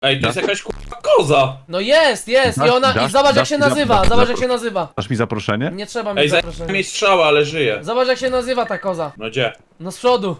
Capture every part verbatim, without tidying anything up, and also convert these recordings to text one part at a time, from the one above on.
Ej, to jest jakaś kurwa koza. No jest, jest i Dasz- ona, i dasz- zobacz jak dasz się mi za- nazywa, dasz- zobacz dasz- jak się nazywa. Dasz mi zaproszenie? Nie trzeba Ej, mieć zajmie zaproszenia. mi strzała, ale żyje. Zobacz jak się nazywa ta koza. No gdzie? No z przodu.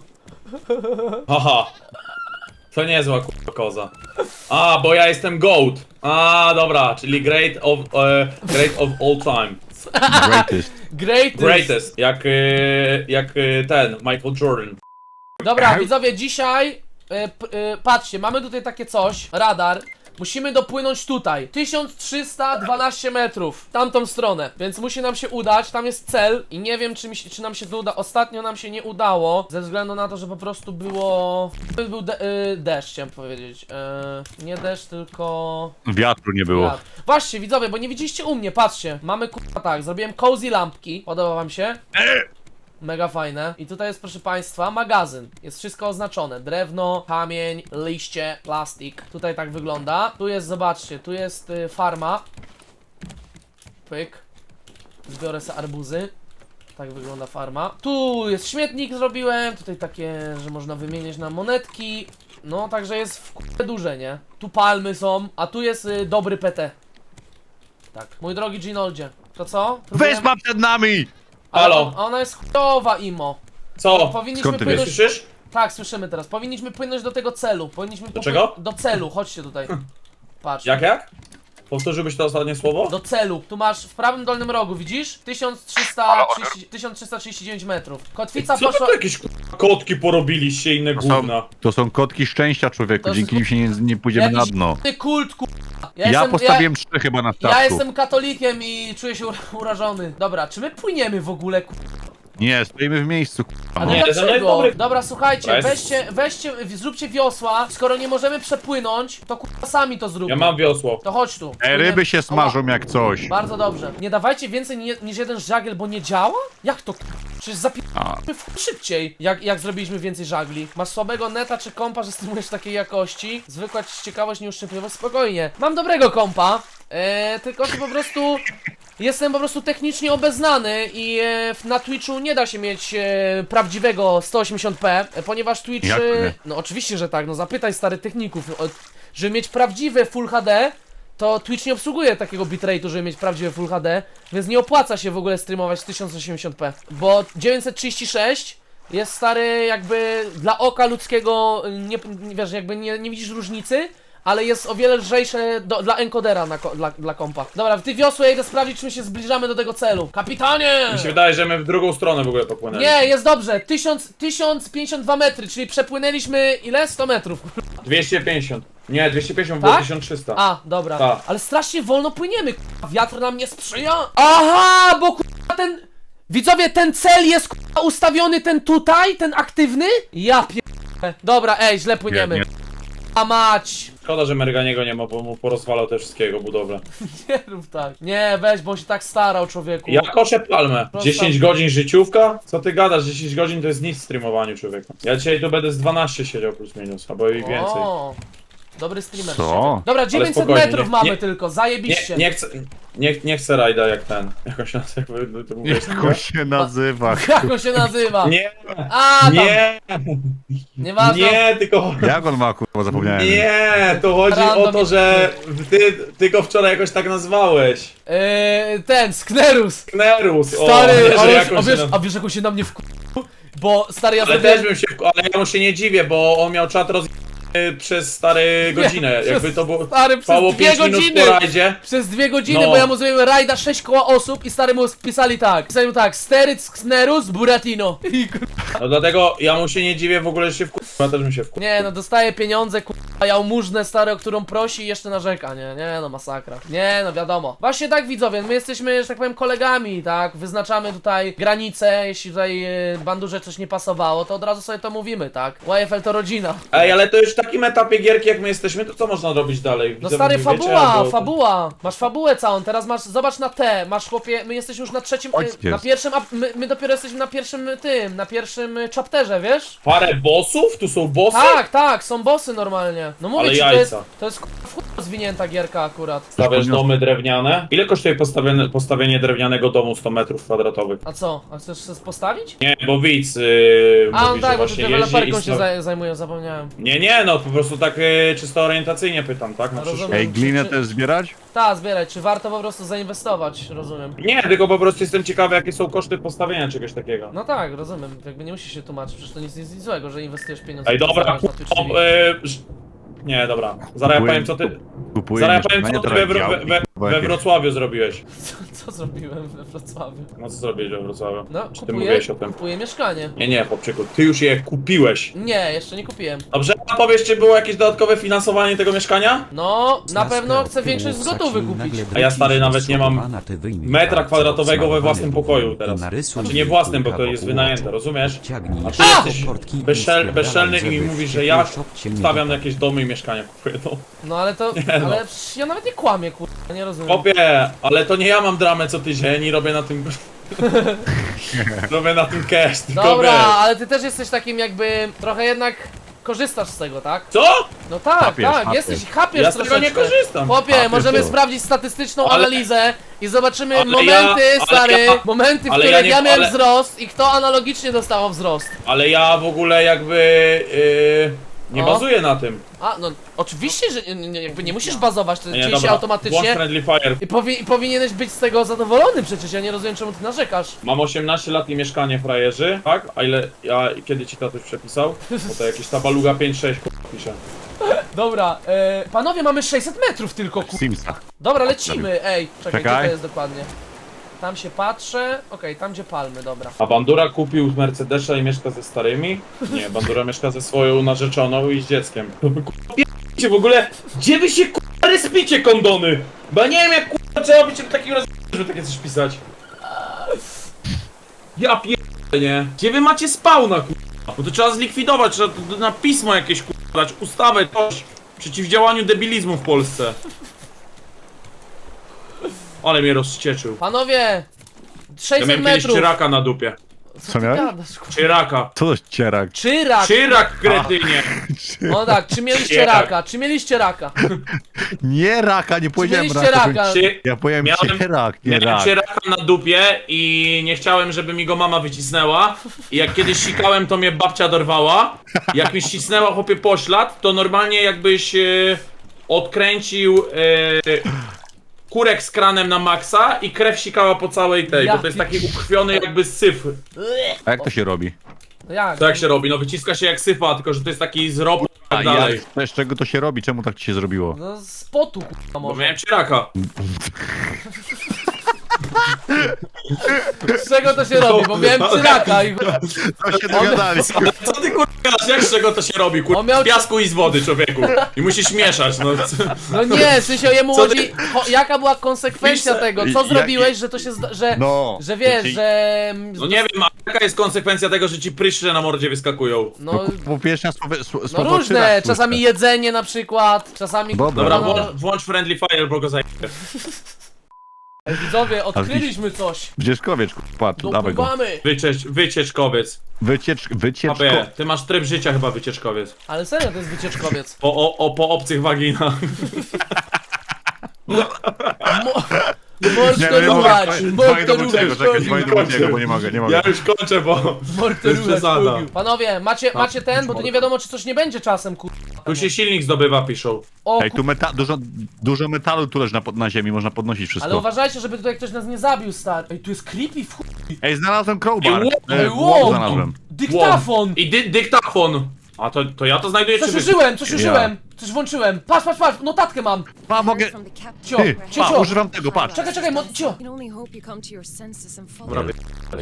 Haha. To niezła kurwa koza. A, bo ja jestem GOAT. A, dobra, czyli great of, e, great of all time. Greatest. Great. Greatest. Jak, e, jak e, ten, Michael Jordan. Dobra, widzowie, dzisiaj e, p, e, patrzcie, mamy tutaj takie coś, radar. Musimy dopłynąć tutaj, tysiąc trzysta dwanaście metrów, w tamtą stronę, więc musi nam się udać, tam jest cel i nie wiem czy, mi się, czy nam się to uda. Ostatnio nam się nie udało, ze względu na to, że po prostu było, był de y, deszcz, chciałem powiedzieć, e, nie deszcz, tylko... Wiatru nie było. wiatr. Właśnie, widzowie, bo nie widzieliście u mnie, patrzcie, mamy kurwa tak, zrobiłem cozy lampki, podoba wam się? Mega fajne. I tutaj jest, proszę państwa, magazyn. Jest wszystko oznaczone. Drewno, kamień, liście, plastik. Tutaj tak wygląda. Tu jest, zobaczcie, tu jest y, farma. Pyk. Zbiorę sobie arbuzy. Tak wygląda farma. Tu jest śmietnik zrobiłem. Tutaj takie, że można wymieniać na monetki. No, także jest w k***e duże, nie? Tu palmy są, a tu jest y, dobry P T. Tak. Mój drogi Ginoldzie. To co? Próbujemy- Wyspa przed nami! Ale Halo? on- Ona jest chujowa, Imo. Co? Powinniśmy Skąd ty płynąć... Słyszysz? Tak, słyszymy teraz. Powinniśmy płynąć do tego celu. Powinniśmy Do popły- czego? Do celu, chodźcie tutaj. Patrz. Jak, jak? Powtórzyłbyś to ostatnie słowo? Do celu. Tu masz w prawym dolnym rogu, widzisz? tysiąc trzysta trzydzieści, tysiąc trzysta trzydzieści dziewięć metrów. Kotwica Co wy poszła... tu jakieś kurwa kotki porobiliście, inne To są, gówna? to są kotki szczęścia, człowieku. To Dzięki jest- nim się nie, nie pójdziemy na Jakiś dno. k***ny kult, ku... Ja, Ja jestem, postawiłem trzy chyba na ja, ja statku. jestem katolikiem i czuję się ura- urażony. Dobra, czy my płyniemy w ogóle, ku... Nie, stoimy w miejscu, A k***a. no Nie, to jest dlaczego? dobry- Dobra, słuchajcie, To jest- weźcie, weźcie, zróbcie wiosła. Skoro nie możemy przepłynąć, to kurwa sami to zróbmy. Ja mam wiosło. To chodź tu. E, ryby się Ała. smażą jak coś. Bardzo dobrze. Nie dawajcie więcej ni niż jeden żagiel, bo nie działa? Jak to? Przecież A. zapijamy szybciej, jak, jak zrobiliśmy więcej żagli. Masz słabego neta czy kompa, że streamujesz takiej jakości? Zwykła ciekawość, nieuszczypliwość, spokojnie. Mam dobrego kompa, eee, tylko że po prostu... Jestem po prostu technicznie obeznany i e, na Twitchu nie da się mieć e, prawdziwego sto osiemdziesiąt p, e, ponieważ Twitch... Jak to E, nie? no oczywiście, że tak, no zapytaj stary techników. O, żeby mieć prawdziwe Full H D, to Twitch nie obsługuje takiego bitrate'u, żeby mieć prawdziwe Full H D, więc nie opłaca się w ogóle streamować w tysiąc osiemdziesiąt p, bo dziewięćset trzydzieści sześć jest stary jakby dla oka ludzkiego, nie, nie wiesz, jakby nie, nie widzisz różnicy, ale jest o wiele lżejsze do, dla encodera na, ko- dla, dla kompa. Dobra, w ty wiosło ja idę sprawdzić, czy my się zbliżamy do tego celu. Kapitanie! Mi się wydaje, że my w drugą stronę w ogóle popłynęli. Nie, jest dobrze, tysiąc, tysiąc pięćdziesiąt dwa metry, czyli przepłynęliśmy ile? sto metrów. dwieście pięćdziesiąt. Nie, dwieście pięćdziesiąt było Tak? tysiąc trzysta. A, dobra. Tak. Ale strasznie wolno płyniemy, k***a. Wiatr nam nie sprzyja. Aha, bo k***a ten... Widzowie, ten cel jest k***a ustawiony, ten tutaj, ten aktywny? Ja pier... Dobra, ej, źle płyniemy. Nie, A mać. Szkoda, że Merganiego nie ma, bo mu porozwalał te wszystkiego budowlę. Nie rób tak. Nie, weź, bo on się tak starał, człowieku. Ja koszę palmę. Proszę. dziesięć godzin życiówka? Co ty gadasz? dziesięć godzin to jest nic w streamowaniu, człowieku. Ja dzisiaj tu będę z dwanaście siedział plus minus, albo i więcej. O, dobry streamer. Co? Dobra, dziewięćset spokojnie, metrów nie- mamy nie- tylko, Nie, zajebiście. nie chcę, nie, nie chcę rajda jak ten. Jakoś nas jakby to mówisz. Jak on się nazywa? Jak on się nazywa? Nie, A, tam. nie, Nieważne. nie, tylko... Jak on ma, kurwa, zapomniałem. Nie, to chodzi Random o to, że ty, ty go wczoraj jakoś tak nazwałeś. Yy, ten, Sknerus. Knerus, o, Stary, nie, że ale, jakoś a, wiesz, się a wiesz jak on się na mnie wku... Bo stary, ja Ale zrobiłem... też bym się, wku- ale ja mu się nie dziwię, bo on miał czat roz... przez stare godzinę, przez- jakby to było... Stary, przez Trwało dwie pięć minut godziny! po rajdzie. Przez dwie godziny, No. bo ja mu zrobiłem rajda sześć koła osób i stary mu pisali tak. Pisali mu tak, Steryc, Sknerus, Buratino. I kur... No dlatego ja mu się nie dziwię w ogóle, że się wku... Ja też bym się wku... Nie no, dostaje pieniądze, kur... a jałmużnę stary, o którą prosi i jeszcze narzeka, nie? Nie no, masakra. Nie no, wiadomo. Właśnie tak widzowie, my jesteśmy, że tak powiem, kolegami, tak? Wyznaczamy tutaj granice, jeśli tutaj y, bandurze coś nie pasowało, to od razu sobie to mówimy, tak? Y F L to rodzina. Ej, ale to już w takim etapie gierki jak my jesteśmy, to co można robić dalej? No Widzę, stary, wy wiecie, fabuła, albo- fabuła. Masz fabułę całą, teraz masz, zobacz na T, masz chłopie, my jesteśmy już na trzecim, Oj, y, na jest. pierwszym, a my, my dopiero jesteśmy na pierwszym y, tym, na pierwszym y, chapterze, wiesz? Parę bossów? Tu są bossy? Tak, tak, są bossy normalnie. No mówię Ale ci, to jest, jajca. to jest k***a w chuj zwinięta gierka akurat. Stawiasz domy drewniane? Ile kosztuje postawienie, postawienie drewnianego domu sto metrów kwadratowych? A co? A chcesz się postawić? Nie, bo widz yy, A, mówi, no tak, że bo ty właśnie jeździ deweloperką i się sta- zaj zajmują, zapomniałem. Nie, nie, no po prostu tak yy, czysto orientacyjnie pytam, tak? Na Rozumiem. przyszłość. Ej, glinę Czy- też zbierać? Ta, zbierać, czy warto po prostu zainwestować, rozumiem. Nie, tylko po prostu jestem ciekawy, jakie są koszty postawienia czegoś takiego. No tak, rozumiem, jakby nie musisz się tłumaczyć, przecież to nic, nic, nic złego, że inwestujesz pieniądze. Ej, w dobra, zarabiasz na kup, Twitch T V. yy, ż- nie, dobra. Zaraz ja Kupuję- powiem, co ty... Kupuję Zaraz ja powiem, mieszkanie, co ty we, teraz we, działki, we, bo we jakieś- Wrocławiu zrobiłeś. Co, co zrobiłem we Wrocławiu? No co zrobiłeś we Wrocławiu? No, Czy ty kupuję, mówiłeś o tym? kupuję mieszkanie. Nie, nie, chłopczyku, ty już je kupiłeś. Nie, jeszcze nie kupiłem. Dobrze, a powiesz, czy było jakieś dodatkowe finansowanie tego mieszkania? No, na pewno chcę większość z gotowy kupić. A ja, stary, nawet nie mam metra kwadratowego we własnym pokoju teraz. Znaczy nie własnym, bo to jest wynajęte, rozumiesz? A ty A! jesteś bezszel, bezszelny i mi mówisz, że ja stawiam jakieś domy i mieszkania kupuję, no. No ale to, no. ale przecież ja nawet nie kłamię, kurwa, nie rozumiem. Chłopie, ale to nie ja mam dramę co tydzień i robię na tym... robię na tym cash, tylko Dobra, wiesz. ale ty też jesteś takim jakby, trochę jednak korzystasz z tego, tak? Co? No tak, Chapiesz, tak, chapiesz. jesteś, chapiesz Ja z tego nie troszeczkę. korzystam. Chłopie, Chapiesz, możemy to. sprawdzić statystyczną Ale- analizę i zobaczymy ale momenty, ja- ale stary, ja- momenty, w ale których ja ja, nie- miałem ale- wzrost i kto analogicznie dostawał wzrost. Ale ja w ogóle jakby... Yy, nie O. bazuję na tym. A, no oczywiście, że nie, nie, jakby nie musisz bazować, to Nie, dzieje się dobra, włącz automatycznie. Friendly Fire. I, powi i powinieneś być z tego zadowolony przecież, ja nie rozumiem czemu ty narzekasz. Mam osiemnaście lat i mieszkanie frajerzy, tak? A ile... Ja... Kiedy ci tatuś przepisał? Bo to jakieś tabaluga pięć sześć pisze. Dobra, e, panowie mamy sześćset metrów tylko, ku... Simsa. Dobra, lecimy, ej, czekaj, gdzie Czekaj. to jest dokładnie? Tam się patrzę, okej, tam gdzie palmy, dobra. A Bandura kupił Mercedesa i mieszka ze starymi? Nie, Bandura mieszka ze swoją narzeczoną i z dzieckiem. K***cie w ogóle, gdzie wy się k***a respicie kondony? Bo ja nie wiem jak k***a trzeba być takim roz... żeby takie coś pisać. Ja pierdolę, nie? Gdzie wy macie spawna k***a? Bo to trzeba zlikwidować, trzeba to na pismo jakieś k***a dać, ustawę, coś. Przeciwdziałaniu debilizmu w Polsce. Ale mnie rozcieczył. Panowie, Ja sześćset miałem kiedyś metrów. czyraka na dupie. Co Co ty miałeś? gadasz, kurwa? Czyraka. Co to jest cierak? Czyrak! Czyrak, kretynie. No tak, czy mieliście Czyrak. raka? Czy mieliście raka? Nie raka, nie Czy powiedziałem mieliście raka. raka? Czy... Ja powiem Miałem- cierak, nie Miałem rak. czyraka na dupie i nie chciałem, żeby mi go mama wycisnęła. I jak kiedyś sikałem, to mnie babcia dorwała. Jak mi ścisnęła chłopie poślad, to normalnie jakbyś e, odkręcił e, kurek z kranem na maksa i krew sikała po całej tej, Ja bo to jest taki ukrwiony jakby syf. A jak to się robi? No jak? To jak się robi? No wyciska się jak syfa, tylko że to jest taki z ropu i A tak dalej. jak? To z czego to się robi? Czemu tak ci się zrobiło? No z potu, kurwa, Bo może. miałem czyraka. Z czego to się robi? Bo miałem czyraka i... To się dogadali. Ale co ty kurwa, jak z czego to się robi? Kurwa, On miał z piasku i z wody, człowieku. I musisz mieszać, no. No nie, w sensie jemu Co ty- chodzi... Cho, jaka była konsekwencja Pisze- tego? I- Co ja- zrobiłeś, że to się... Zda że, No. że wiesz, Czyli- że... No nie wiem, a jaka jest konsekwencja tego, że ci pryszcze na mordzie wyskakują? No, No, po pierwsze słowo, no słowo różne, cierak czasami słyszę. jedzenie na przykład, czasami... Dobra. Dobra, no, włącz, włącz Friendly Fire, bo go zajmę. Ej, widzowie, odkryliśmy coś. Wdzieszkowiecz, patrz, dawaj go. Dopływamy. Wyciecz, wycieczkowiec. Wyciecz, wycieczko. Abie, ty masz tryb życia chyba wycieczkowiec. Ale serio, to jest wycieczkowiec. Po, o, o, po obcych waginach. Mo Nie, no nie Morterować, mogę. Dzwonię do Buciego, morterować, czekaj, dzwonię do Buciego, bo nie mogę, nie mogę. Ja już kończę, bo to jest morterować. przesada. Panowie, macie, macie ten, bo tu nie wiadomo, czy coś nie będzie czasem, kur... Tu się silnik zdobywa, piszą. O, Ej, tu meta dużo, dużo metalu tu leży na, pod- na ziemi, można podnosić ale wszystko. uważajcie, żeby tutaj ktoś nas nie zabił, stary. Ej, tu jest creepy w chuj. Ej, znalazłem crowbar. Ej, Ej, wow. łom znalazłem. Dyktafon! I dy, dyktafon. A to, to ja to znajduję Coś czy wy? użyłem, coś Ja. użyłem! Coś włączyłem. Patrz, patrz, patrz, notatkę mam. Pa, mogę... Cio, Ty, cio, pa, cio. używam tego, patrz. Czekaj, czekaj, mo- cio. Dobra, wy-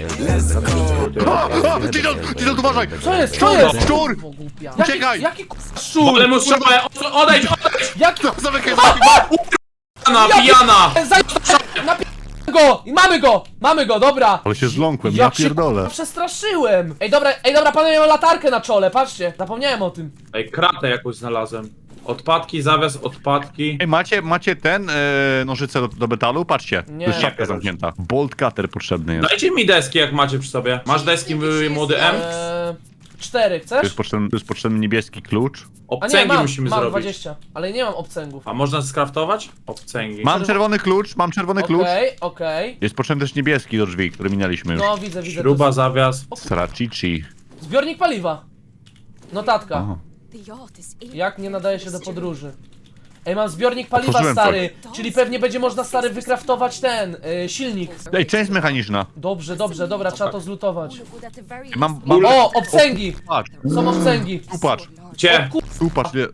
O, o, Diesel, Diesel, uważaj! Co jest, co Szczur, jest? szczur! O, głupia. Uciekaj! Jaki, jaki k***a szczur? Ale mu strzałę, o- odejdź, odejdź! Jaki... Zamykaj, Pijana, pijana! Zaj... Napi... go! I mamy go! Mamy go, dobra! Ale się zląkłem, ja Jak się pierdolę. k***a przestraszyłem! Ej, dobra, ej, dobra, panowie, mam latarkę na czole, patrzcie. Zapomniałem o tym. Ej, kratę jakąś znalazłem. Odpadki, zawias, odpadki. Ej, macie, macie ten, e, nożyce do, do metalu? Patrzcie, Nie. to jest szafka Nie, zamknięta. Bolt cutter potrzebny jest. Dajcie mi deski jak macie przy sobie. Masz deski, y, młody M? Eee, Cztery, Tu chcesz? jest potrzebny, tu jest potrzebny niebieski klucz. A nie, Obcęgi mam, musimy mam zrobić. dwadzieścia, ale nie mam obcęgów. A można skraftować? Obcęgi. Mam czerwony klucz, mam czerwony klucz. Okej, okej. Jest potrzebny też niebieski do drzwi, który minęliśmy już. No widzę, widzę. Śruba, to jest- zawias. Sracici. Zbiornik paliwa. Notatka. Aha. Jak nie nadaje się do podróży. Ej, mam zbiornik paliwa, Otworzyłem stary. Czyli pewnie będzie można, stary, wykraftować ten, y, silnik. Ej, część mechaniczna. Dobrze, dobrze, dobra, trzeba to zlutować. Mam, mam... O, obcęgi! Patrz, Są obcęgi. tu patrz, Gdzie? tu patrz. Nie.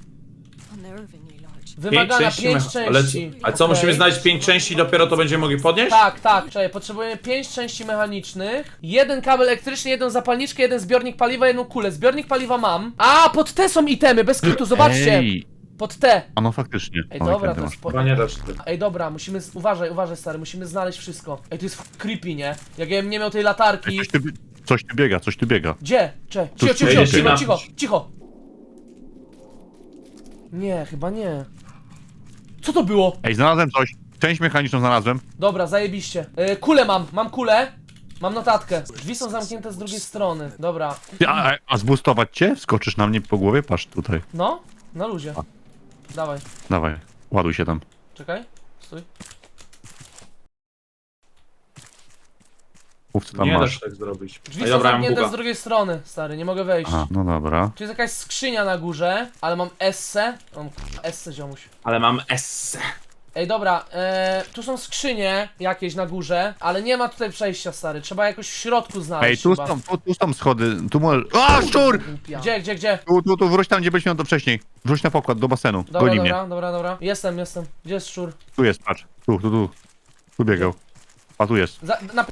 Wymagana pięć mecha- ale- części. A co, Okej. musimy znaleźć pięć części i dopiero to będziemy mogli podnieść? Tak, tak, czekaj, potrzebujemy pięć części mechanicznych, jeden kabel elektryczny, jedną zapalniczkę, jeden zbiornik paliwa, jedną kulę. Zbiornik paliwa mam. A, pod te są itemy, bez kitu, zobaczcie! Ej. Pod te. A no faktycznie. Ej, O, dobra, jak to ty jest masz. po... Chyba nie dasz ty. Ej, dobra, musimy, z... uważaj, uważaj, stary, musimy znaleźć wszystko. Ej, to jest f- creepy, nie? Jak ja bym nie miał tej latarki... Coś tu, coś tu biega, coś tu biega. Gdzie? Cze, Tu cicho, cicho, się cicho, dzieje. cicho, cicho, cicho. Nie, chyba nie. Co to było? Ej, znalazłem coś. Część mechaniczną znalazłem. Dobra, zajebiście. Yy, kulę mam, mam kulę. Mam notatkę. Drzwi są zamknięte z drugiej strony. Dobra. Ty, A, a, a zboostować cię? Skoczysz na mnie po głowie? Patrz tutaj. No, na luzie. Dawaj, Dawaj, ładuj się tam. czekaj. Stój. Mów co tam Nie da masz. się tak zrobić. Drzwi Ej, są dobra, mam zamknięte z buga. drugiej strony, stary, nie mogę wejść. Aha, no dobra. Tu jest jakaś skrzynia na górze, ale mam esse. Mam k***a, esse, ziomuś. Ale mam S. Ej, dobra, e, tu są skrzynie jakieś na górze, ale nie ma tutaj przejścia, stary. Trzeba jakoś w środku Ej, znaleźć tu chyba. są, tu, tu są schody. Tu możesz... A, szczur! Gdzie, gdzie, gdzie? Tu, tu, tu, wróć tam, gdzie byliśmy to wcześniej. Wróć na pokład, do basenu. Dobra, Goni dobra, mnie. dobra, dobra. Jestem, jestem. Gdzie jest szczur? Tu jest, patrz. Tu, tu, tu. Tu biegał. A tu jest. Za, na, na,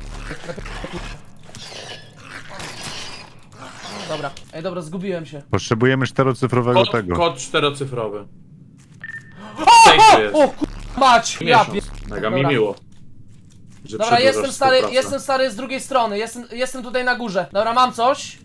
Dobra, ej, dobra, zgubiłem się. Potrzebujemy czterocyfrowego Kod, tego. kod czterocyfrowy. Safe to jest. O, kur... mać! Ja pie... Miesiąc. Mega mi Dobra. miło. Że Dobra, przedłużasz jestem stary, współpracę. jestem stary z drugiej strony, jestem, jestem tutaj na górze. Dobra, mam coś.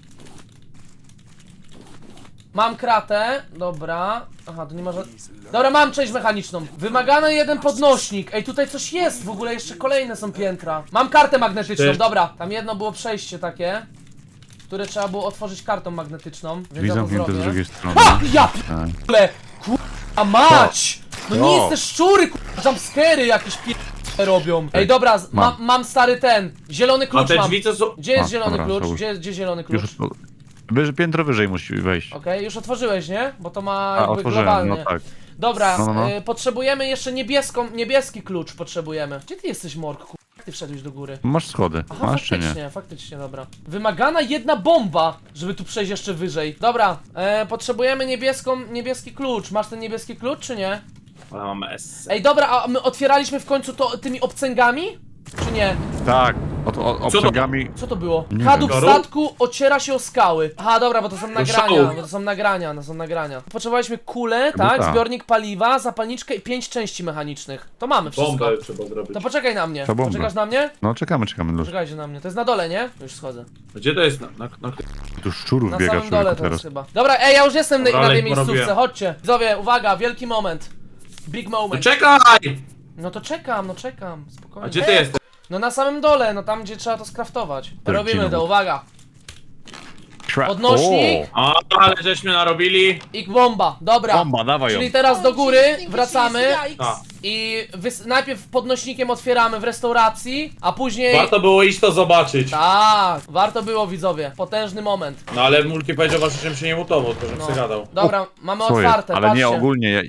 Mam kratę, dobra. Aha, to nie może... Dobra, mam część mechaniczną. Wymagany jeden podnośnik. Ej, tutaj coś jest, w ogóle jeszcze kolejne są piętra. Mam kartę magnetyczną, Ty- dobra. Tam jedno było przejście takie, które trzeba było otworzyć kartą magnetyczną. Więc Drzwi ja to zamknięte z zrobię. drugiej strony. Ha! Ja Tak. p***le! Kurwa mać! No nie O. jest te szczury, kurwa, jumpscary jakieś p***e robią. Ej, dobra, z- mam, Mam. mam stary ten, zielony A klucz te mam. drzwi to są... Gdzie jest A, zielony dobra, klucz? załóż. Gdzie, gdzie zielony klucz? Już wyż, piętro wyżej musi wejść. Okej, już otworzyłeś, nie? Bo to ma A, jakby otworzyłem, globalnie. no tak. Dobra, No, no, no. Y, potrzebujemy jeszcze niebieską, niebieski klucz potrzebujemy. Gdzie ty jesteś, Mork? Kur- Jak ty wszedłeś do góry? Masz schody. Aha, Masz czy nie? faktycznie, faktycznie, dobra. Wymagana jedna bomba, żeby tu przejść jeszcze wyżej. Dobra, e, potrzebujemy niebieską, niebieski klucz. Masz ten niebieski klucz, czy nie? Ale mam S. Ej, dobra, a my otwieraliśmy w końcu to tymi obcęgami? Czy nie? Tak. Od, od, to? obcęgami. Co to było? Nie Kadłub wiem. statku ociera się o skały. Aha, dobra, bo to są nagrania, szału. bo to są nagrania, to są nagrania. Potrzebowaliśmy kulę, Chyba tak, tak. zbiornik paliwa, zapalniczkę i pięć części mechanicznych. To mamy wszystko. Bombę trzeba zrobić. To poczekaj na mnie. To bombę. Poczekasz na mnie? No czekamy, czekamy. Luz. Poczekajcie na mnie. To jest na dole, nie? Już schodzę. Gdzie to jest? Na, na, na... Tu szczurów Na biega samym dole człowieku to jest teraz. chyba. Dobra, ej, ja już jestem na, Dobra, na tej ale miejscówce, porobiłem. chodźcie. Widzowie, uwaga, wielki moment. Big No moment. czekaj! No to czekam, no czekam, spokojnie. A gdzie ty jesteś? No na samym dole, no tam gdzie trzeba to skraftować. Robimy to, znowu. uwaga. Tra- Podnośnik. O! A, ale żeśmy narobili. I bomba, dobra. Bomba, dawaj ją. Czyli teraz do góry wracamy A, i wys- najpierw podnośnikiem otwieramy w restauracji, a później... warto było iść to zobaczyć. Tak, warto było, widzowie. Potężny moment. No ale multi powiedział właśnie, żebym się nie mutował, to żebym No. sobie gadał. Dobra, mamy Co jest? otwarte, Ale patrzcie. nie ogólnie. Ja...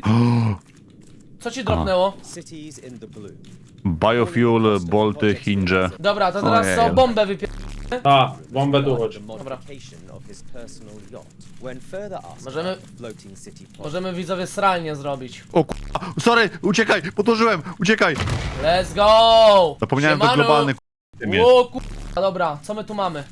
Co ci dropnęło? Cities in the blue. Biofuel, bolty, hinge. Dobra, to teraz Ojej. są bombę wypier... A, bombę tu chodzi. The modification of his personal yacht. When further asked Możemy- about the floating city plot, Możemy, widzowie, sralnie zrobić. O k***a, sorry, uciekaj, podłożyłem, uciekaj. Let's go! Zapomniałem, to Siemano. globalny k***a jest. O k***a, dobra, co my tu mamy?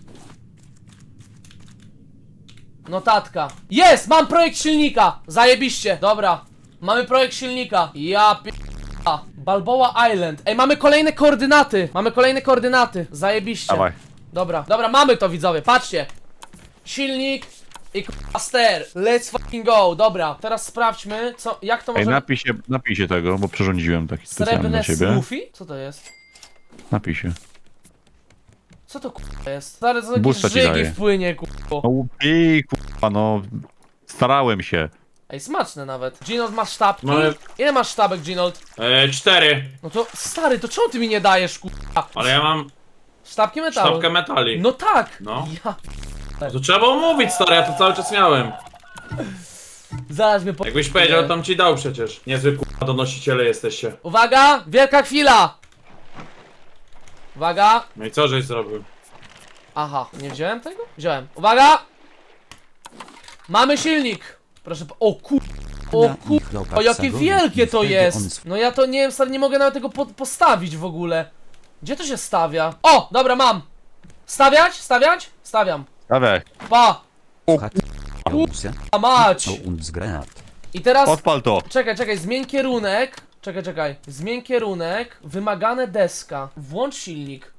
Notatka. Jest! Mam projekt silnika! Zajebiście! Dobra, mamy projekt silnika. Ja p... Balboa Island. Ej, mamy kolejne koordynaty! Mamy kolejne koordynaty. Zajebiście. Dawaj. Dobra, dobra, mamy to, widzowie, patrzcie. Silnik i k***a ster. Let's fucking go. Dobra, teraz sprawdźmy, co, jak to Ej, możemy... napij się, napij się tego, bo przyrządziłem taki specjalny Srebrne dla ciebie. smoothie? Co to jest? Napij się. Co to kurwa jest? Stary, co jakieś Boosta ci żygi daje. wpłynie kurwa. No i kurwa, no... Starałem się. Ej, smaczne nawet. Ginold, masz sztabki? No ale- Ile masz sztabek, Ginold? E, cztery. No to stary, to czemu ty mi nie dajesz kurwa? Ale ja mam Sztabki metalu. sztabkę metali. No tak! No. Ja... To trzeba omówić, stary, ja to cały czas miałem. Zaraz mnie po... Jakbyś powiedział, to bym ci dał przecież. Niezły kurwa donosiciele jesteście. Uwaga! Wielka chwila! Uwaga! No i co żeś zrobił? Aha, nie wziąłem tego? Wziąłem. Uwaga! Mamy silnik! Proszę po... O kur... O kur... O jakie wielkie to jest! No ja to nie wiem, stary, nie mogę nawet tego po postawić w ogóle. Gdzie to się stawia? O! Dobra, mam! Stawiać? Stawiać? Stawiam. Dawaj. Pa! Rusia A mać! und Granat. I teraz... Odpal to. Czekaj, czekaj, zmień kierunek. Czekaj, czekaj. Zmień kierunek. Wymagane deska. Włącz silnik.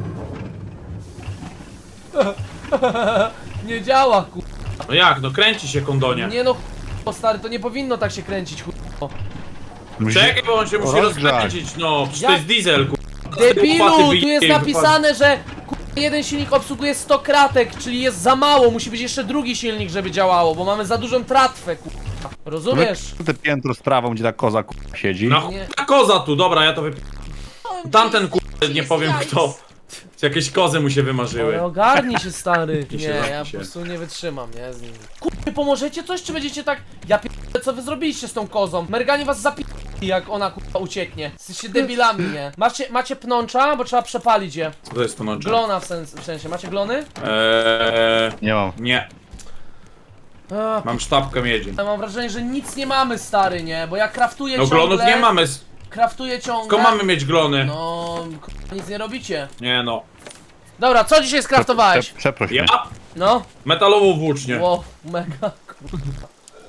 Nie działa, ku... No jak, no kręci się kondonie. Nie no, o stary, to nie powinno tak się kręcić, ku... Czekaj, bo on się musi Rozgrzać. rozkręcić, no. Przecież Jak? to jest diesel, kurwa. Debilu, Łopaty tu wyje- jest napisane, że ku... jeden silnik obsługuje sto kratek, czyli jest za mało. Musi być jeszcze drugi silnik, żeby działało, bo mamy za dużą tratwę, ku... Rozumiesz? Te piętro z prawą, gdzie ta koza kurwa siedzi. No Nie. ta koza tu, dobra, ja to wypi... Tamten kurwa, nie powiem kto. Jakieś kozy mu się wymarzyły. Ale ogarnij się, stary. I Nie, się ja zamknij po się. prostu nie wytrzymam, nie, z nim. Kurwa, pomożecie coś, czy będziecie tak... Ja p***e, co wy zrobiliście z tą kozą? Merganie was zapi... jak ona kurwa ucieknie. Jesteście debilami, nie? Macie, macie pnącza, bo trzeba przepalić je. Co to jest to nocze? Glona w, sens, w sensie, macie glony? Eee, Nie mam. nie, A, mam sztabkę miedzi. ja mam wrażenie, że nic nie mamy, stary, nie? Bo ja kraftuję No ciągle... glonów nie mamy, s- Kraftuję ciągle... tylko mamy mieć glony. No, kurwa, nic nie robicie. Nie no. Dobra, co dzisiaj skraftowałeś? Prze- Przeproś Ja? mnie. No? Metalową włócznię. Wow, mega, kurwa.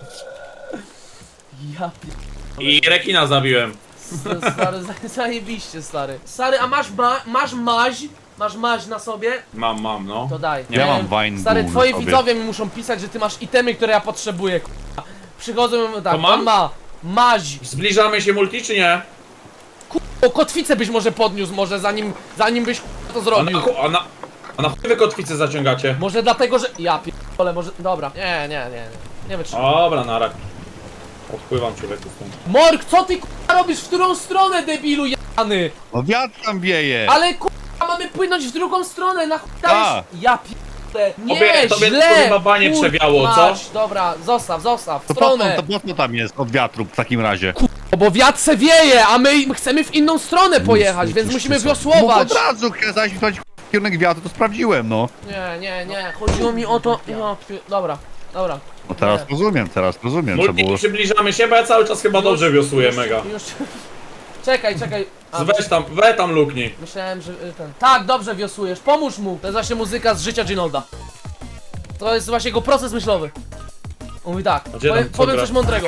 Ja p... I rekina zabiłem. Stary, za- zajebiście, stary. Stary, a masz ma masz maź? Masz maź na sobie? Mam, mam, no. To daj. Ja mam wine Stary, bull twoi na sobie. widzowie mi muszą pisać, że ty masz itemy, które ja potrzebuję, k***a. Przychodzą i mówią tak, To mam? on ma maź. Zbliżamy się multi, czy nie? O, kotwicę byś może podniósł, może zanim, zanim byś k***a, to A na, zrobił. chu- a na, a na chuj wy kotwicę zaciągacie? Może dlatego, że... Ja p***ole, może... Dobra. Nie, nie, nie, nie. Nie wytrzymam. Dobra, narak. Odpływam człowieku stąd. Morg, co ty k***a robisz? W którą stronę, debilu jany? No wiatr tam wieje. Ale k***a, mamy płynąć w drugą stronę, na chuj A. dajesz... Ja p***le, nie, Tobie- tobie źle! tylko chyba banie Kur- przewiało, co? mać. Dobra, zostaw, zostaw, w To po co, stronę. to po co tam jest od wiatru w takim razie? O, bo wiatr se wieje, a my chcemy w inną stronę pojechać, więc musimy No wiosłować. od razu kazałeś mi powiedzieć w kierunek wiatru, to sprawdziłem, no. Nie, nie, nie, chodziło mi o to... Ja, pi- dobra, dobra. No teraz Nie. rozumiem, teraz rozumiem, co Multi, było. przybliżamy się, bo ja cały czas chyba dobrze wiosłuję, mega. Już... Czekaj, czekaj. A, Weź tam, weź tam luknij. myślałem, że y, ten... Tak, dobrze wiosłujesz, pomóż mu. To jest właśnie muzyka z życia Ginolda. To jest właśnie jego proces myślowy. On mówi tak, A gdzie powie, tam co powiem gra? coś mądrego.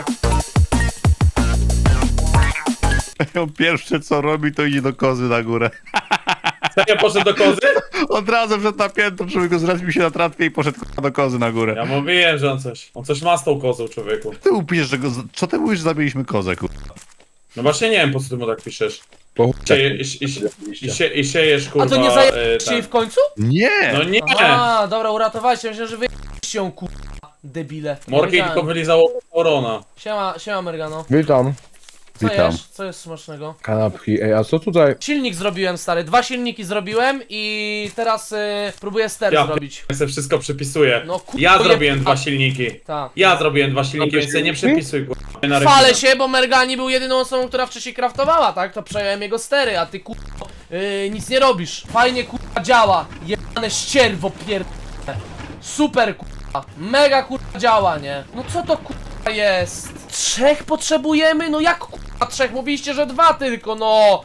On pierwsze co robi, to idzie do kozy na górę. Serio poszedł do kozy? Od razu przed na piętro, człowiek zrespił się na tratwie i poszedł k***a, do kozy na górę. Ja mówiłem, że on coś, on coś ma z tą kozą, człowieku. Ty upisz, że go... z- Co ty mówisz, że zabiliśmy kozę, kur... No właśnie nie wiem, po co ty mu tak piszesz. Sieje, i, i, i, i, sie, I siejesz, kurwa, A to nie e, zajęliście jej ten. w końcu? Nie! No nie! A, dobra, uratowaliście, myślę, że wy ją ku... debile. Nie Morki wiedziałem. tylko wylizało Orona. Siema, siema Mergano. Witam. Co Witam. jesz? Co jest smacznego? Kanapki. Ej, a co tutaj? Silnik zrobiłem, stary, dwa silniki zrobiłem i teraz y, próbuję ster Ja zrobić. Ja sobie wszystko przypisuję. No kurwa, Ja je- zrobiłem a- dwa silniki. Tak. Ja zrobiłem dwa silniki, więc sobie nie przepisuj, kurwa. na Chwalę rekina. się, bo Mergani był jedyną osobą, która wcześniej kraftowała, tak? To przejąłem jego stery, a ty kurwa yy, nic nie robisz. Fajnie kurwa działa. Jebane ścierwo pier... Super kurwa. Mega kurwa działa, nie? No co to kurwa jest? Trzech potrzebujemy? No jak kurwa trzech? Mówiliście, że dwa tylko, no!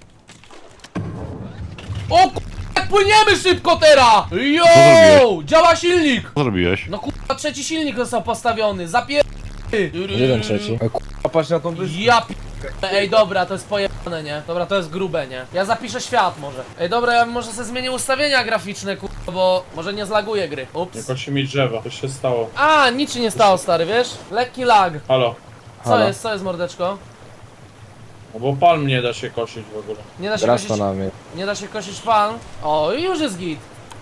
O kurwa, jak płyniemy szybko teraz! Yo! zrobiłeś? Działa silnik! Co zrobiłeś? No kurwa trzeci silnik został postawiony, zapier... Jeden trzeci. Ej, k***a, patrz na tą wyspę. Ja p... Ej, dobra, to jest pojebane, nie? Dobra, to jest grube, nie? Ja zapiszę świat może. Ej, dobra, ja może sobie zmienię ustawienia graficzne, kurwa, bo może nie zlaguję gry. Ups. Nie kończy mi drzewa, coś się stało. A, nic się nie stało, stary, wiesz? Lekki lag. Halo. Co Halo? jest, co jest, mordeczko? No bo palm nie da się kosić w ogóle. Nie da się Teraz kosić, to na mnie. nie da się kosić pan. O, i już jest git.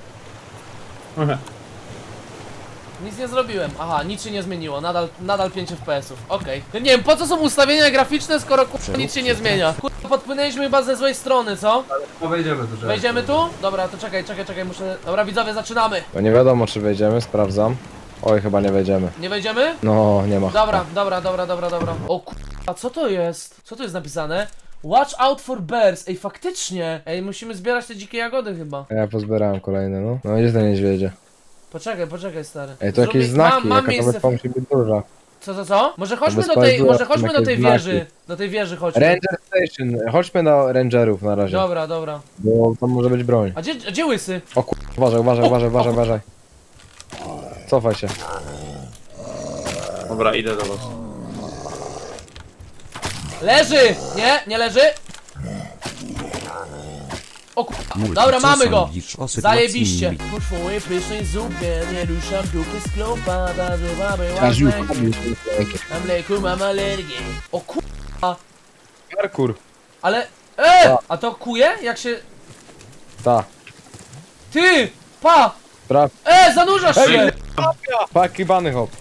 Nic nie zrobiłem. Aha, nic się nie zmieniło. Nadal, nadal pięć F P S ów. Okej. Ja nie wiem, po co są ustawienia graficzne, skoro kurwa nic się nie zmienia. Kurwa, podpłynęliśmy chyba ze złej strony, co? No wejdziemy do rzeczy. Wejdziemy tu? Dobra, to czekaj, czekaj, czekaj, muszę... Dobra, widzowie, zaczynamy. Bo nie wiadomo czy wejdziemy, sprawdzam. Oj, chyba nie wejdziemy. Nie wejdziemy? No, nie ma. Dobra, dobra, dobra, dobra, dobra. O kurwa, co to jest? Co tu jest napisane? Watch out for bears. Ej, faktycznie. Ej, musimy zbierać te dzikie jagody chyba. Ja pozbierałem kolejne, no. No gdzie te niedźwiedzie? Poczekaj, poczekaj, stary. Ej, to jakieś Zrobi- znaki, mam, mam jaka ta miejsce wyspa w... musi być duża. Co, co, co? Może chodźmy do wyspa tej, jest duża, może chodźmy są do tej jakieś wieży. znaki. Do tej wieży chodźmy. Ranger Station, chodźmy do rangerów na razie. Dobra, dobra. Bo tam może być broń. A gdzie, a gdzie łysy? O kur... uważaj, uważaj, uważaj, uważaj, uważaj. Cofaj się. Dobra, idę do was. Leży! Nie, nie leży. O kurwa. Dobra, mamy go! Zajebiście! Poszły pysznej zupie, nie ruszam dupy z klopa, ta zupa była z Mam mleku, mam alergię. O kurwa. Parkour. Ale... E! A to kuje? Jak się... Ta. Ty! Pa! Sprawdź. E! Zanurzasz się! Paki bany hop.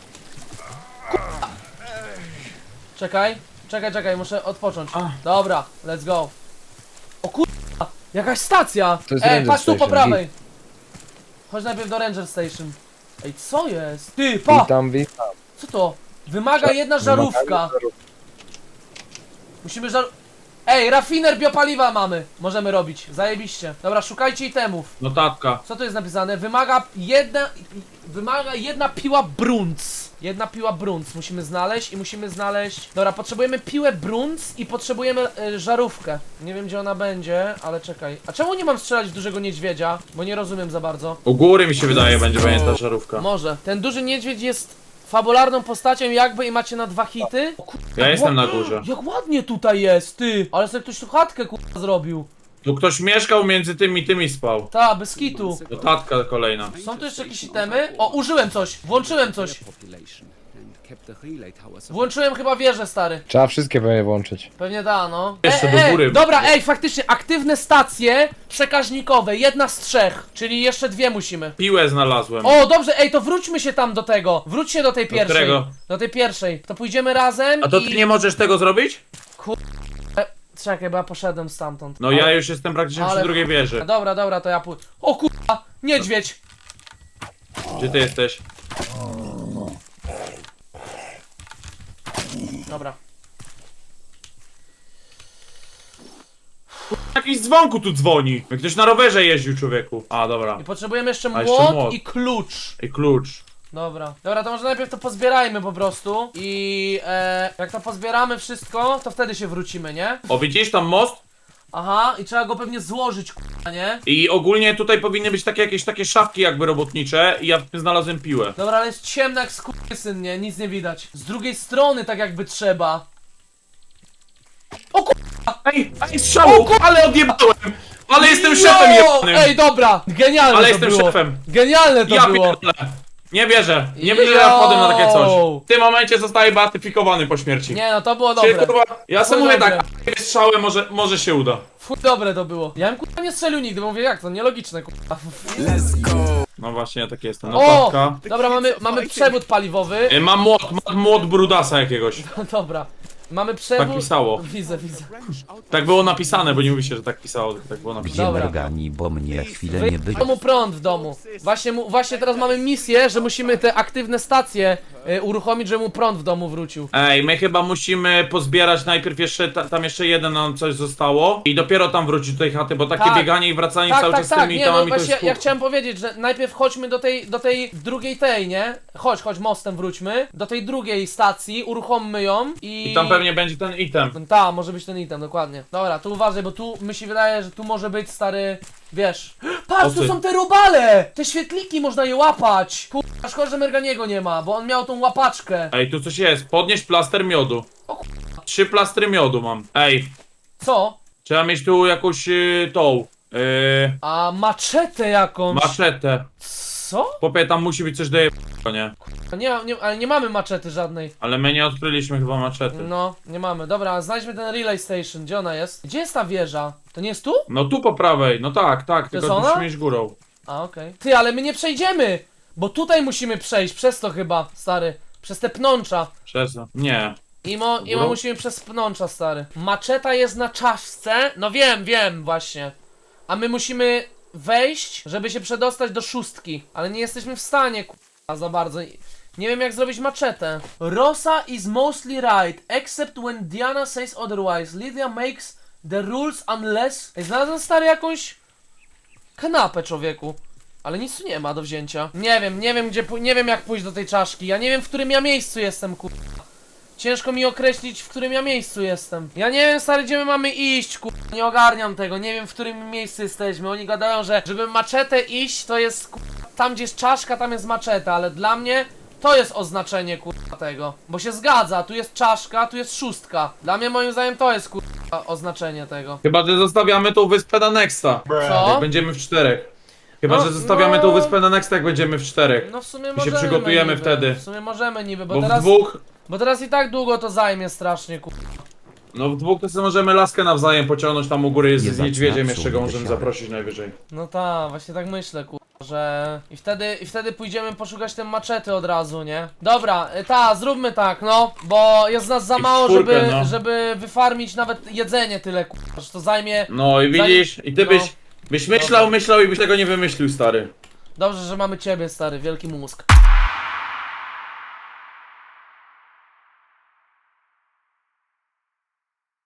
Czekaj, czekaj, czekaj, muszę odpocząć. Dobra, let's go. O kurwa, jakaś stacja! To jest Ej, Ranger patrz tu po Station, prawej. Chodź najpierw do Ranger Station. Ej, co jest? Ty, pa! Witam, witam. Co to? Wymaga jedna żarówka. Musimy żar... Ej, rafiner biopaliwa mamy. Możemy robić, zajebiście. Dobra, szukajcie itemów. Notatka. Co tu jest napisane? Wymaga jedna... Wymaga jedna piła brunc. Jedna piła brunc musimy znaleźć i musimy znaleźć... Dobra, potrzebujemy piłę brunc i potrzebujemy y, żarówkę. Nie wiem gdzie ona będzie, ale czekaj. A czemu nie mam strzelać w dużego niedźwiedzia? Bo nie rozumiem za bardzo. U góry mi się wydaje będzie będzie ta żarówka. Może. Ten duży niedźwiedź jest fabularną postacią jakby i macie na dwa hity. O, kur... Ja jestem na górze. Jak ładnie tutaj jest, ty! Ale sobie ktoś tu chatkę kurwa zrobił. Tu ktoś mieszkał między tymi i tymi spał. Ta, bez kitu. Notatka kolejna. Są tu jeszcze jakieś itemy? O, użyłem coś, włączyłem coś. Włączyłem chyba wieżę, stary. Trzeba wszystkie pewnie włączyć. Pewnie da, no. Jeszcze E, do e, góry. Dobra, ej, faktycznie, aktywne stacje przekaźnikowe, jedna z trzech, czyli jeszcze dwie musimy. Piłę znalazłem. O, dobrze, ej, to wróćmy się tam do tego. Wróć się do tej pierwszej. którego? Do tej pierwszej. To pójdziemy razem A to i... ty nie możesz tego zrobić? Czekaj, bo ja poszedłem stamtąd. No Ale- ja już jestem praktycznie ale- przy drugiej wieży. Dobra, dobra, to ja pójdę. O kurwa, niedźwiedź! Gdzie ty jesteś? Dobra. Jakiś dzwonku tu dzwoni. Jak ktoś na rowerze jeździł, człowieku. A, dobra. I potrzebujemy jeszcze A, młot, jeszcze młot. i klucz. I klucz. Dobra. Dobra, to może najpierw to pozbierajmy po prostu. I e, jak to pozbieramy wszystko, to wtedy się wrócimy, nie? O, widzisz tam most? Aha, i trzeba go pewnie złożyć, k***a, nie? I ogólnie tutaj powinny być takie jakieś takie szafki jakby robotnicze i ja w tym znalazłem piłę. Dobra, ale jest ciemno jak skurwysyn, nie? Nic nie widać. Z drugiej strony tak jakby trzeba. O ku... Ej, ej, strzału! Ale odjebałem! Ale jestem szefem jebanym! Ej, dobra! Genialne Ale to jestem było. szefem. Genialne to Ja było. pierdolę! Nie wierzę, nie wierzę, że ja wpadłem na takie coś. Yo! W tym momencie zostaję beatyfikowany po śmierci. Nie no, to było Czyli, dobre. kurwa, ja sobie Chuj mówię dobre. tak, a strzałem może, może się uda. Fuj, dobre to było. Ja bym kurwa nie strzelił nigdy, bo mówię jak to, nielogiczne kurwa. No właśnie, ja tak jestem. O! Notatka. Dobra, mamy, mamy przewód paliwowy. Y, Mam młot, mam młot brudasa jakiegoś. Dobra. Mamy przewód... Tak pisało. Widzę, widzę. Tak było napisane, bo nie mówi się, że tak pisało, tylko tak było Gdzie napisane. Dobra. Mergani, bo mnie chwilę Wy... nie było. W domu prąd w domu. Właśnie, mu, właśnie teraz mamy misję, że musimy te aktywne stacje y, uruchomić, żeby mu prąd w domu wrócił. Ej, my chyba musimy pozbierać najpierw jeszcze, ta, tam jeszcze jeden nam coś zostało i dopiero tam wrócić do tej chaty, bo takie Tak. bieganie i wracanie Tak, cały tak, czas z tak, tymi nie, no itemami to właśnie jest ja kur- chciałem powiedzieć, że najpierw chodźmy do tej, do tej drugiej tej, nie? Chodź, chodź, mostem wróćmy. Do tej drugiej stacji, uruchommy ją i... I tam pewnie będzie ten item. Ta, może być ten item, dokładnie. Dobra, tu uważaj, bo tu mi się wydaje, że tu może być stary, wiesz. Patrz, O tu ty. są te robale! Te świetliki można je łapać! Kurwa, szkoda, że Merganiego nie ma, bo on miał tą łapaczkę. Ej, tu coś jest, podnieść plaster miodu. O Trzy plastry miodu mam. Ej, Co? trzeba mieć tu jakąś y, tą, y, A maczetę jakąś. maczetę. Co? Chłopie, tam musi być coś do je... nie? Nie, nie, ale nie mamy maczety żadnej. Ale my nie odkryliśmy chyba maczety. No, nie mamy. Dobra, znajdźmy ten relay station. Gdzie ona jest? Gdzie jest ta wieża? To nie jest tu? No tu po prawej, no tak, tak, jest tylko ona? musimy iść górą. A, okej. Ty, ale my nie przejdziemy! Bo tutaj musimy przejść, przez to chyba, stary. Przez te pnącza. Przez... Nie. Imo, imo Górą? musimy przez pnącza, stary. Maczeta jest na czaszce. No wiem, wiem, właśnie. A my musimy wejść, żeby się przedostać do szóstki. Ale nie jesteśmy w stanie, k***a, za bardzo. Nie wiem jak zrobić maczetę. Rosa is mostly right, except when Diana says otherwise. Lydia makes the rules unless... Ej, znalazłem, stary, jakąś kanapę, człowieku. Ale nic tu nie ma do wzięcia. Nie wiem, nie wiem gdzie, pój- nie wiem jak pójść do tej czaszki. Ja nie wiem, w którym ja miejscu jestem, kur... Ciężko mi określić, w którym ja miejscu jestem. Ja nie wiem, stary, gdzie my mamy iść, kur... Nie ogarniam tego, nie wiem, w którym miejscu jesteśmy. Oni gadają, że żeby maczetę iść, to jest, kur... Tam, gdzie jest czaszka, tam jest maczeta, ale dla mnie to jest oznaczenie, kur... tego. Bo się zgadza, tu jest czaszka, tu jest szóstka. Dla mnie, moim zdaniem, to jest, kur... oznaczenie tego. Chyba, że zostawiamy tą wyspę na Nexta. Co? Jak będziemy w czterech. Chyba, No, że zostawiamy no. tą wyspę na Nexta, jak będziemy w czterech. No w sumie się możemy przygotujemy niby. wtedy. W sumie możemy niby, bo, Bo w teraz... dwóch... Bo teraz i tak długo to zajmie strasznie, kur... No w dwóch to sobie możemy laskę nawzajem pociągnąć, tam u góry jest Nie z zaczyna niedźwiedziem, psuć jeszcze go możemy wysiadek. zaprosić najwyżej. No tak, właśnie tak myślę, kur... że... I wtedy, I wtedy pójdziemy poszukać tej maczety od razu, nie? Dobra, y, ta, zróbmy tak, no, bo jest nas za I w mało, czwórkę, żeby, no. żeby wyfarmić nawet jedzenie tyle, kur... że to zajmie... No i widzisz, i ty No. byś... Byś myślał, myślał i byś tego nie wymyślił, stary. Dobrze, że mamy ciebie, stary, wielki mózg.